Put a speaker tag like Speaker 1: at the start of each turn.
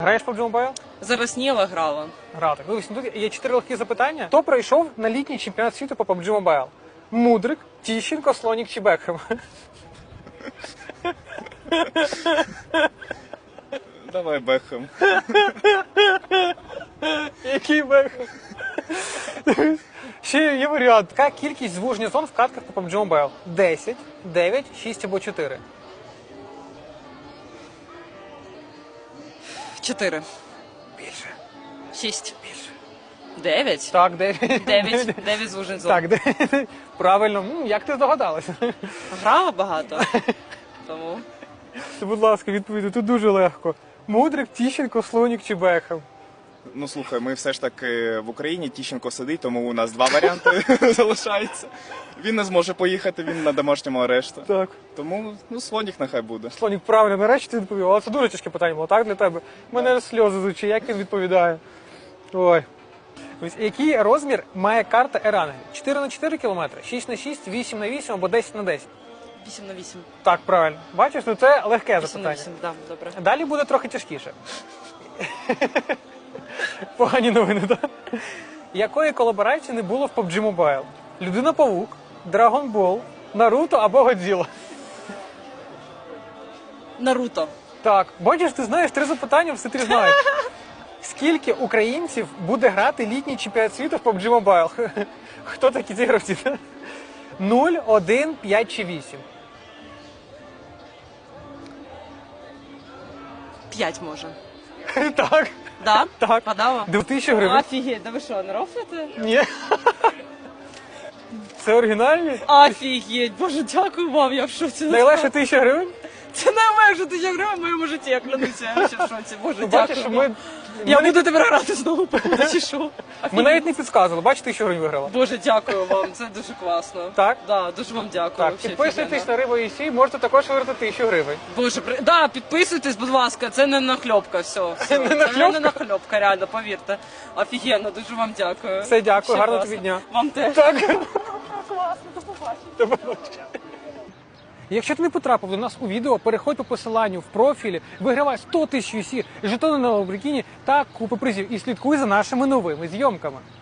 Speaker 1: Граєш в PUBG Mobile?
Speaker 2: Зараз ні, але грала.
Speaker 1: Грати. Дивись, тут є 4 легкі запитання. Хто пройшов на літній чемпіонат світу по PUBG Mobile? Мудрик, Тіщенко, Слонік чи Бекхем?
Speaker 3: Давай Бекхем.
Speaker 1: Який Бекхем? Ще є варіант. Яка кількість звуження зон в катках по PUBG Mobile? 10, 9, 6 або 4?
Speaker 2: 4.
Speaker 1: Більше.
Speaker 2: 6.
Speaker 1: Більше.
Speaker 2: 9.
Speaker 1: Так, 9.
Speaker 2: 9 звужень зон.
Speaker 1: Так, 9. Правильно. Як ти здогадалася?
Speaker 2: Грала багато. Тому.
Speaker 1: Будь ласка, відповідай, тут дуже легко. Мудрик, Тіщенко, Слонік чи Бекхем?
Speaker 3: Ну слухай, ми все ж таки в Україні, Тіщенко сидить, тому у нас 2 варіанти залишається. Він не зможе поїхати, він на домашньому арешті.
Speaker 1: Так.
Speaker 3: Тому, Слонік нехай буде.
Speaker 1: Слонік, правильно, нарешті ти відповів. Але це дуже тяжке питання було, так, для тебе? У мене сльози з очей, як він відповідає. Ой. Ось, який розмір має карта Ерангель? 4х4 км, 6х6, 8х8 або 10х10?
Speaker 2: 8 на 8.
Speaker 1: Так, правильно. Бачиш, ну це легке
Speaker 2: 8 на
Speaker 1: запитання.
Speaker 2: 8, так, добре.
Speaker 1: Далі буде трохи тяжкіше. Погані новини, так? Якої колаборації не було в PUBG Mobile? Людина-павук, Dragon Ball, Наруто або Годзіла?
Speaker 2: Наруто.
Speaker 1: Так, бачиш, ти знаєш 3 запитання, все 3 знаєш. Скільки українців буде грати літній чемпіонат світу в PUBG Mobile? Хто такі ці гравці? 0, 1, 5 чи 8?
Speaker 2: 5 може.
Speaker 1: Так.
Speaker 2: Да?
Speaker 1: Так.
Speaker 2: Подала?
Speaker 1: 2000 гривень?
Speaker 2: Офігеть, да ви що, не рофлите?
Speaker 1: Ні. Це оригінальні?
Speaker 2: Офігеть, боже, дякую вам, я в шоці.
Speaker 1: Найлегше 1000 гривень?
Speaker 2: Це найлегше 1000 гривень в моєму житті, я клянуся, я ще в шоці. Боже,
Speaker 1: Ну,
Speaker 2: дякую
Speaker 1: бачиш, що
Speaker 2: вам. Я буду тепер грати знову, чи що?
Speaker 1: Ми навіть не підказували, бачиш, 1000 гривень виграла.
Speaker 2: Боже, дякую вам, це дуже класно.
Speaker 1: Так?
Speaker 2: Да, дуже вам дякую.
Speaker 1: Так,
Speaker 2: вообще,
Speaker 1: підписуйтесь
Speaker 2: офігенно.
Speaker 1: на Рибу і Сій, можете також виграти 1000 гривень.
Speaker 2: Боже, да, підписуйтесь, будь ласка, це не нахльопка, все.
Speaker 1: Не нахльопка?
Speaker 2: Це не нахльопка, реально, повірте. Офігенно, дуже вам дякую.
Speaker 1: Все, дякую,
Speaker 2: Ще
Speaker 1: гарного
Speaker 2: класно.
Speaker 1: тобі дня.
Speaker 2: Вам теж.
Speaker 1: Так.
Speaker 2: Класно, до побачення.
Speaker 1: Якщо ти не потрапив до нас у відео, переходь по посиланню в профілі, вигравай 100 000 UC, жетони на Lamborghini та купи призів і слідкуй за нашими новими зйомками.